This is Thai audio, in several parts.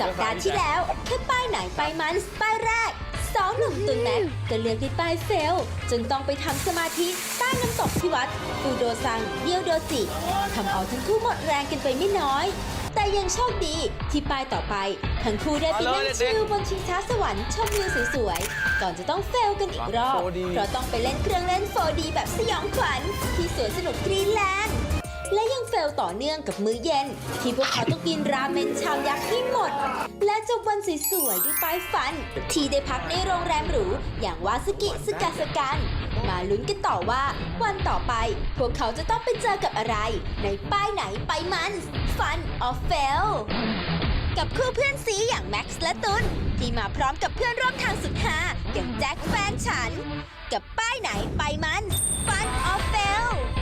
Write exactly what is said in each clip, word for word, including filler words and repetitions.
สัปดาห์ที่แล้วแค่ป้ายไหนป้ายมันป้ายแรกสองหนุ่มตุนแม็กก็เลือกที่ป้ายเฟลจนต้องไปทำสมาธิใต้น้ำตกที่วัดฟูโดซังเดียวโดจิทำเอาทั้งคู่หมดแรงกันไปไม่น้อยแต่ยังโชคดีที่ป้ายต่อไปทั้งคู่ได้ไปนั่งชิลบนชิงช้าสวรรค์ชมวิวสวยๆก่อนจะต้องเฟลกันอีกรอบเพราะต้องไปเล่นเครื่องเล่น โฟร์ดี แบบสยองขวัญที่สวนสนุกกรีนแลนด์และยังเฟลต่อเนื่องกับมื้อเย็นที่พวกเขาต้องกินราเมนชามยักษ์ให้หมดและจบวันสวยๆด้วยป้ายฝันที่ได้พักในโรงแรมหรูอย่างวาสกิสกาสกันมาลุ้นกันต่อว่าวันต่อไปพวกเขาจะต้องไปเจอกับอะไรในป้ายไหนไปมันฟันออฟเฟลกับคู่เพื่อนซีอย่างแม็กซ์และตุนที่มาพร้อมกับเพื่อนร่วมทางสุดฮาอย่างแจ็คแฟนฉันกับป้ายไหนไปมันฟันออฟเฟล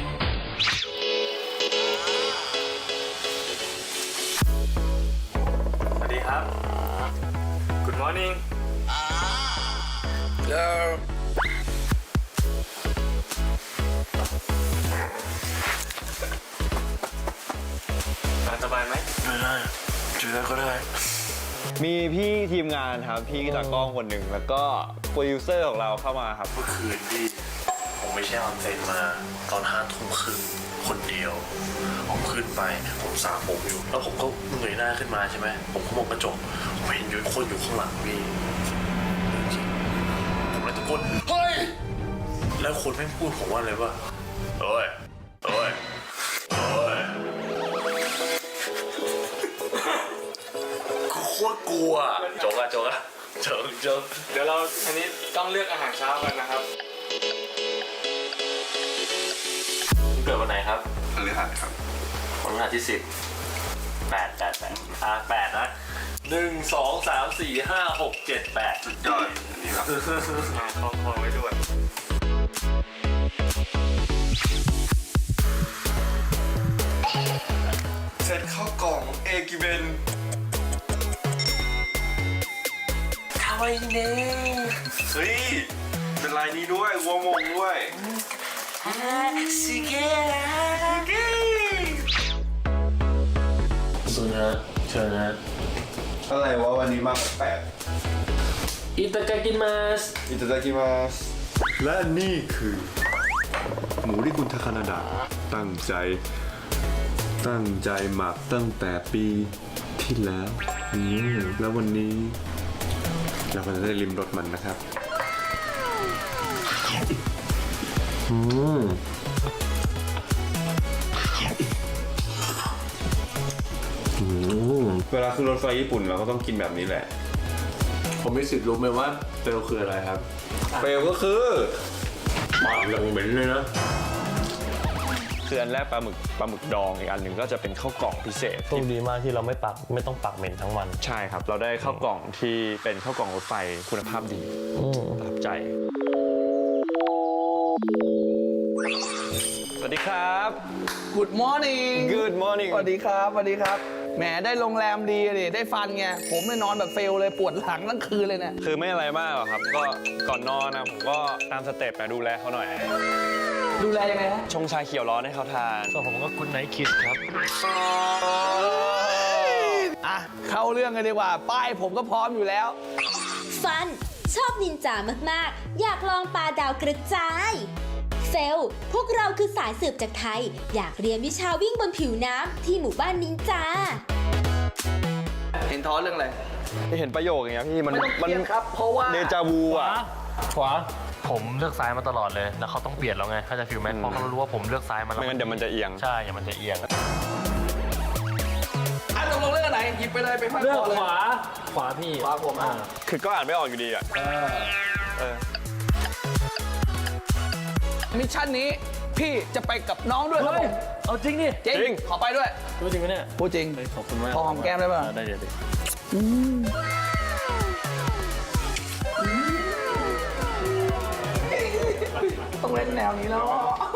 สวัสดีครับ Good morning Hello สบายไหมไม่ได้เจอก็ได้มีพี่ทีมงานครับพี่ตากล้องคนหนึ่งแล้วก็โปรดิวเซอร์ของเราเข้ามาครับเมื่อคืนพี่ผมไม่ใช่ออนเซ็นมาตอนห้าทุ่มครึ่งคนเดียวผมขึ้นไปผมสระผมอยู่แล้วผมก็เงยหน้าขึ้นมาใช่ไหมผมก็มองกระจกผมเห็นอยู่คนอยู่ข้างหลังพี่จริงผมเลยตะโกนเฮ้ยแล้วคนแม่งพูดผมว่าอะไรวะโอ้ยโอ้ยโอ้ยโคตรกลัวโจกอะโจกอะโจกโจกเดี๋ยวเราอันนี้ต้องเลือกอาหารเช้ากันนะครับเกิดวันไหนครับพฤหัสครับวันพฤหัสที่สิบแปดแปดแปดอ่ะแปดนะหนึ่งสองสามสี่ห้าหกเจ็ดแปดสุดยอดอันนี้ครับมาคล้องคอไว้ด้วยเสร็จเข้ากล่องเอกิเบนคาวาอิเน่เฮ้ยเป็นลายนี้ด้วยวัวมงด้วยสิเกะสุนะเชิญนะอะไรวะวันนี้มาแปลกอิตากากิมัสอิตาดากิมัสและนี่คือ หมูที่คุณทาคานาดะตั้งใจ ตั้งใจหมักตั้งแต่ปีที่แล้วอืมแล้ววันนี้ เราก็จะได้ลิ้มรสมันนะครับอืมอืมเวลาขึ้นรถไฟญี่ปุ่นเราก็ต้องกินแบบนี้แหละผมมีสิทธิ์รู้ไหมว่าเฟลคืออะไรครับเฟลก็คือปากอย่างเหม็นเลยนะคืออันแรกปลาหมึกปลาหมึกดองอีกอันหนึ่งก็จะเป็นข้าวกล่องพิเศษโชคดีมากที่เราไม่ปักไม่ต้องปักเหม็นทั้งวันใช่ครับ เราได้ข้าวกล่องที่เป็นข้าวกล่องรถไฟคุณภาพดีประทับใจ สวัสดีครับ Good morning Good morning สวัสดีครับสวัสดีครับแหมได้โรงแรมดีเลยได้ฟันไงผมเนี่ยนอนแบบเฟลเลยปวดหลังทั้งคืนเลยเนี่ยคือไม่อะไรมากหรอกครับ ก็ก่อนนอนนะผมก็ตามสเต็ปนะดูแลเขาหน่อยดูแลยังไงฮะชงชาเขียวร้อนให้เขาทานส่วนผมก็คุณไนท์คิสครับอ่ะเข้าเรื่องกันดีกว่าป้ายผมก็พร้อมอยู่แล้วฟันชอบนินจามากๆ อยากลองปลาดาวกระจายเฟลพวกเราคือสายสืบจากไทย อยากเรียนวิชาวิ่งบนผิวน้ำที่หมู่บ้านนินจาเห็นท้อเรื่องอะไรเห็นประโยคอย่างเงี้ยพี่มันไม่ต้องมันเครียดครับเพราะว่าเดจาวูอ่ะขวา ผมเลือกซ้ายมาตลอดเลย แล้วเขาต้องเปลี่ยนแล้วไง ถ้าจะฟิลแมทเพราะเขารู้ว่าผมเลือกซ้ายมาแล้วไม่งั้นเดี๋ยวมันจะเอียงใช่อย่ามันจะเอียงอ่ะตกลงเรื่องอะไรหยิบไปเลยไปพักเลือกก่อนเลยขวา ขวาพี่ขวาผมอ่ะคือก็อ่านไม่ออกอยู่ดีอ่ะเออมิชชั่นนี้พี่จะไปกับน้องด้วยครับผมเอาจริงดิจริงขอไปด้วยรู้จริงไหมเนี่ยพูดจริงขอบคุณมากพอหอมแก้มได้ป่ะได้เดี๋ยวดิต้องเล่นแนวนี้แล้ว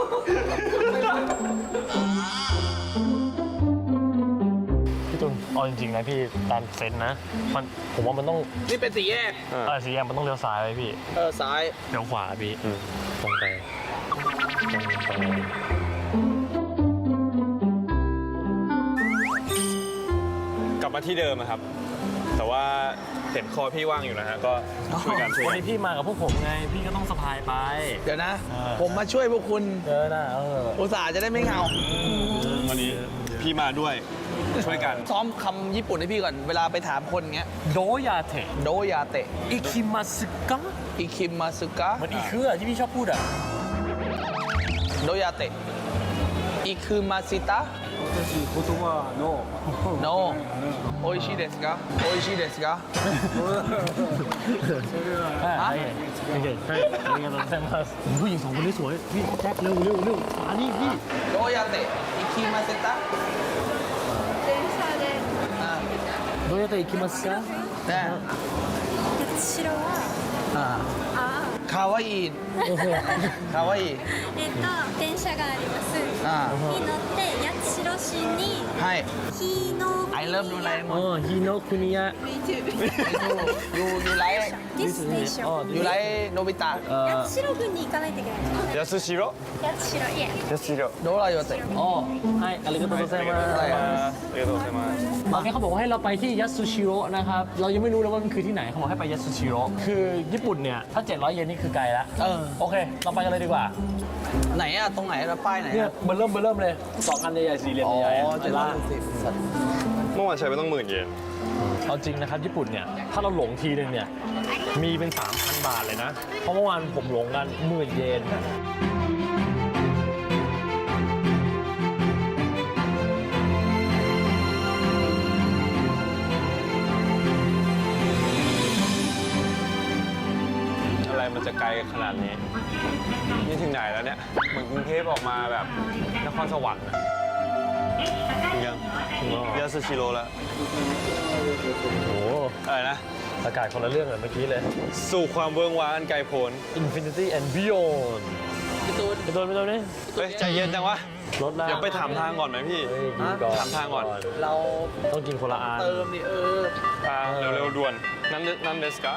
พี่ตุลเอาจริงๆนะพี่ตามเซนส์นะ มันผมว่ามันต้องนี่เป็นสี่แยกเออเออสีแยงมันต้องเลี้ยวซ้ายไปพี่เออซ้ายเลี้ยวขวาพี่ตรงไปตรงไปกลับมาที่เดิมอะครับแต่ว่าเห็นคอพี่ว่างอยู่นะฮะ ก็ช่วยกันช่วยวันกันนี้พี่มากับพวกผมไง พี่ก็ต้องสะพายไปเดี๋ยวนะเออผมมาช่วยพวกคุณเจอนะเอออุตส่าห์จะได้ไม่เหงาวันนี้พี่มาด้วยช่วยกันซ้อมคำญี่ปุ่นให้พี่ก่อน เวลาไปถามคนเงี้ยโดยาเทะโดยาเตะอิคิมาสึกะอิคิมาสึกะมันอีคืออะที่พี่ชอบพูดอะโดยาเตะอิคุมาซิตะโนโออิชิเดสกะโออิชิเดสกะใช่โอเคใช่เรียนกันแซมมาผู้หญิงสองคนนี้สวย พี่แจ็คเร็วเร็วเร็วมานี่พี่โดยาเตะอิคิมาซิตะ電車でอ่าโดยาเตะอิคิมัสกะแน่八代はอ่าあคาวาอิคาวาอิえっと電車がありますอ่าに乗って八代市にให้日のไอเริ่มดูอะไรหมอ๋ดอฮิโนะคุนิยะยูยูไลท์ディステーシอ๋อョンยูไลท์โนบิตะเอ่อ八代郡に行かないといけないんでやすしろす八代いえやすしろโดรายาเตะอ๋อให้อาริกาโตโตเซมาอะไรอ่ะありがとうございますโอเคเขาบอกว่าให้เราไปที่ยัตสุชิโร่นะครับ เรายังไม่รู้เลยว่ามันคือที่ไหนเขาบอกให้ไปยัตสุชิโร่คือญี่ปุ่นเนี่ย ถ้า เจ็ดร้อย เยนนี่คือไกลละเออโอเค เราไปกันเลยดีกว่าไหนอะตรงไหนแล้วป้ายไหนเนี่ยอะเบอร์เริ่มเบอร์เริ่มเลยสองอันใหญ่ๆสี่เหลี่ยมอ๋อใหญ่ๆอะเจ็ดร้อยหกสิบเมื่อวานใช้ไปต้องหมื่นเยนเอาจริงนะครับญี่ปุ่นเนี่ย ถ้าเราหลงทีนึงเนี่ย มีเป็น สามพัน บาทเลยนะ เพราะเมื่อวานผมหลงกันหมื่นเยนอะไรมันจะไกลขนาดนี้ นี่ถึงไหนแล้วเนี่ย เหมือนกรุงเทพออกมาแบบนครสวรรค์อะยังยาสชิโร่แล้วโอ้โหอะไรนะอากาศคนละเรื่องเลยเมื่อกี้เลยสู่ความเวิ้งว้างอันไกลโพ้น Infinity and Beyond พี่ตูนไปตัวไปตัวนี้เฮ้ยใจเย็นจังวะรถแล้วเดี๋ยวไปถามทางก่อนไหมพี่เฮ้ยกินก่อนถามทางก่อนเราต้องกินคนละอันเติมดิเออทางเร็วๆด่วน นั่นนั่นเดสกะ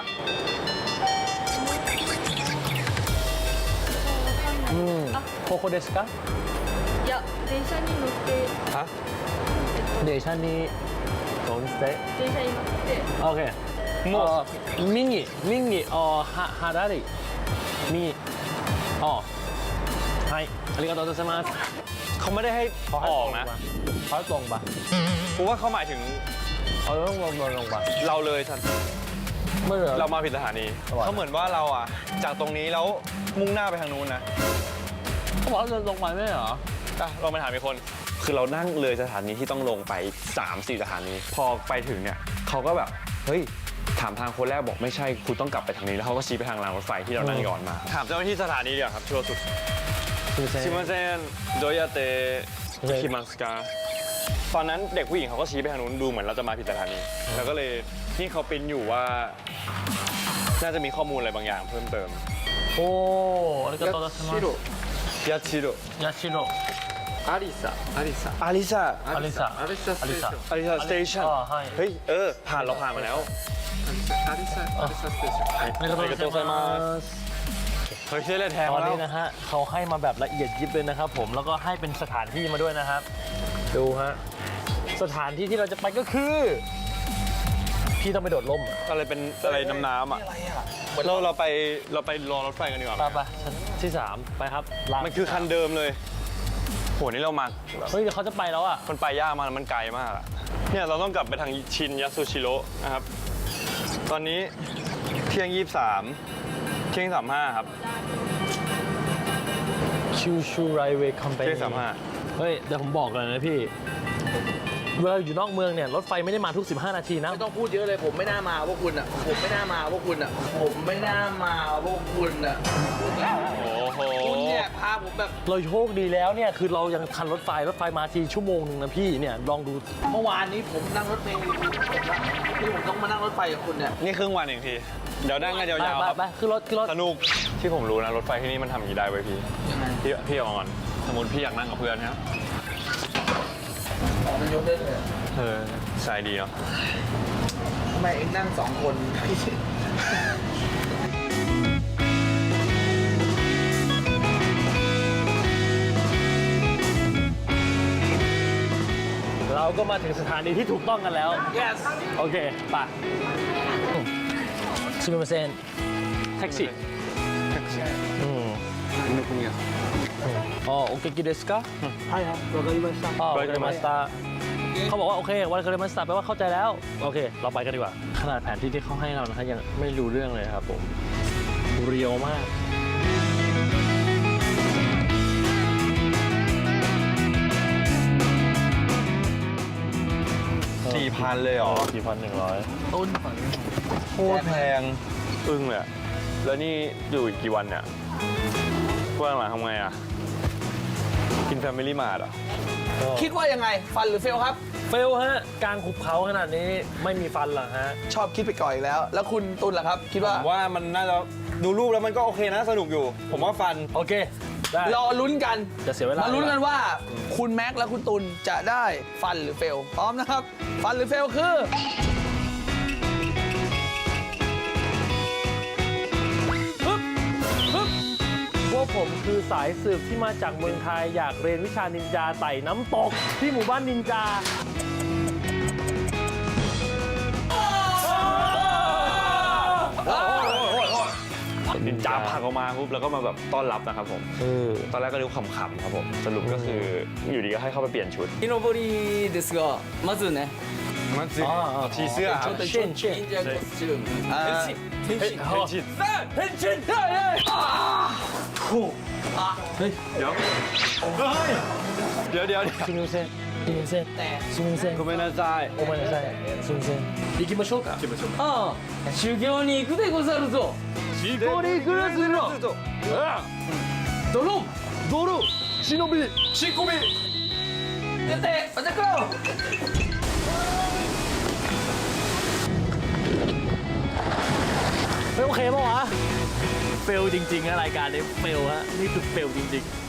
อืมโคโคเดสกะいや電車に乗ってฮะเดชันนี้โดนสเตะ電車に乗ってโอเคโมเอ่อมิงิมิงิอ๋อฮาฮาดาริมีอ๋อให้อาริกาโตโตเซมาสเขาไม่ได้ให้เขาให้อตอรกงนะปเขาให้ตรงปะกูว่าเขาหมายถึงเขาต้องลงลงลงปะเราเลยทันไม่เหรอเรามาผิดสถานีระหว่างเขาเหมือนว่าเราอ่ะ จากตรงนี้แล้วมุ่งหน้าไปทางนู้นนะเขาบอกว่าเดินลงไปไม่เหรออ่ะลองไปถามอีกคน คือเรานั่งเลยสถานีที่ต้องลงไป สามสี่ สถานี พอไปถึงเนี่ยเขาก็แบบ เฮ้ย ถามทางคนแรกบอกไม่ใช่ คุณต้องกลับไปทางนี้ แล้วเขาก็ชี้ไปทางรางรถไฟที่เรานั่งย้อนมา ถามเจ้าหน้าที่สถานีเดียวครับชัวร์สุดคือเซชิมาเซนโดยาเตโอเคคิมัสกาตอนนั้นเด็กผู้หญิงเขาก็ชี้ไปทางนู้นดูเหมือนเราจะมาผิดสถานี แล้วก็เลยนี่เขาปริ้นอยู่ว่า น่าจะมีข้อมูลอะไรบางอย่างเพิ่มเติมโอ้อาริกาโตโตเซมาสยาชิโร่ยาชิโร่อาริซาอาริสาอาริซาอาริสาอาริสาอาริซาสเตชันอ๋อให้เฮ้ย เออ ผ่านเราผ่านมาแล้วอาริกาโตโตเซมาสเฮ้ยชื่ออะไรแทนตอนแล้นี้วนะฮะเขาให้มาแบบละเอียดยิบเลยนะครับผมแล้วก็ให้เป็นสถานที่มาด้วยนะครับ ดูฮะสถานที่ที่เราจะไปก็คือ พี่ต้องไปโดดร่มอะอะไรเป็นอะไรน้ำน้ำอ่ะเราเราไปเราไปรอรถไฟกันดีกว่าไปไปชั้นที่สามไปครับลามันคือคันเดิมเลย โห นี่เรามาเฮ้ยเดี๋ยวเขาจะไปแล้วอ่ะมันไปยากมากมันไกลมากอะเนี่ยเราต้องกลับไปทางชินยาสุชิโร่นะครับ ตอนนี้เที่ยงยี่สามเที่ยงสามห้าครับชิวชูไรเวย์คอมพานีเที่ยงสามห้าเฮ้ยเดี๋ยวผมบอกเลยนะพี่เวลาอยู่นอกเมืองเนี่ยรถไฟไม่ได้มาทุกสิบห้านาทีนะไม่ต้องพูดเยอะเลยผมไม่น่ามาพวกคุณอ่ะ ผมไม่น่ามาพวกคุณอ่ะ ผมไม่น่ามาพวกคุณอ่ะโอ้โหคุณเนี่ยพาผมแบบเราโชคดีแล้วเนี่ยคือเรายังทันรถไฟรถไฟมาทีชั่วโมงหนึ่งนะพี่เนี่ยลองดูเมื่อวานนี้ผมนั่งรถเมล์ที่ผมต้องมานั่งรถไฟกับคุณเนี่ยนี่ครึ่งวันเองพี่ เดี๋ยวนั่งกันไปยาวๆไปครับไปขึ้นรถขึ้นรถสนุก ที่ผมรู้นะรถไฟที่นี่มันทำอย่างนี้ได้เว้ยพี่ยังไงพี่พี่เอาก่อนสมมติพี่อยากนั่งกับเพื่อนนะครับมันยกได้เลยเออใช่ดีเนาะทำไมเองนั่งสองคนเราก็มาถึงสถานีที่ถูกต้องกันแล้ว yes โอเคไปすみませんแท็กซี่อืมอ๋อโอเคกิเดสกะใช่ครับわかりましたอ๋อわかりましたเขาบอกว่าโอเควาかりましたแปลว่าเข้าใจแล้วโอเคเราไปกันดีกว่าขนาดแผนที่ที่เขาให้เรานะฮะยังไม่รู้เรื่องเลยครับผมเรียวมากสี่พันเลยเหรอสี่พันหนึ่งร้อยต้นโคตรแพงอึ้งเลยอะแล้วนี่อยู่อีกกี่วันเนี่ยเพื่อนหลังทำไงอ่ะ กินแฟมิลี่มาร์ทอ่ะคิดว่ายังไงฟันหรือเฟลครับเฟลฮะกลางหุบเขาขนาดนี้ไม่มีฟันเหรอฮะชอบคิดไปก่อนอีกแล้ว แล้วคุณตุลล่ะครับ คิดผว่ามว่ามันน่าจะดูรูปแล้วมันก็โอเคนะสนุกอยู่ ผมว่าฟันโอเคได้รอลุ้นกันจะเสียเวลามาลุ้นกันว่า คุณแม็กซ์และคุณตุลจะได้ฟันหรือเฟลพร้อมนะครับ ฟันหรือเฟลคือปึ๊บปึ๊บพวกผมคือสายสืบที่มาจากเมืองไทยอยากเรียนวิชานินจาไต่น้ำตกที่หมู่บ้านนินจานินจาผลักออกมาปุ๊บแล้วก็มาแบบต้อนรับนะครับผมเออตอนแรกก็ดูขำๆครับผม สรุปก็คืออยู่ดีก็ให้เข้าไปเปลี่ยนชุด木登りですがまずねมันสิชีเสื้อครับเช่นเช่น忍者コスチュームอ่าเฮ้ยเฮ้ยชิดเฮ้ยชิดเฮ้ยเฮ้ยเฮ้ยเดี๋ยวเดี๋ยวเดี๋ยวすみませんすみませんすみませんごめんなさいごめんなさいすみません行きましょうかああ修行に行くでござるぞシコリグラスのドロンドロ忍びชิโกบิやっておじゃくろไม่โอเคป่าวะเฟลจริงๆนะรายการนี้เฟลฮะนี่คือเฟลจริงๆ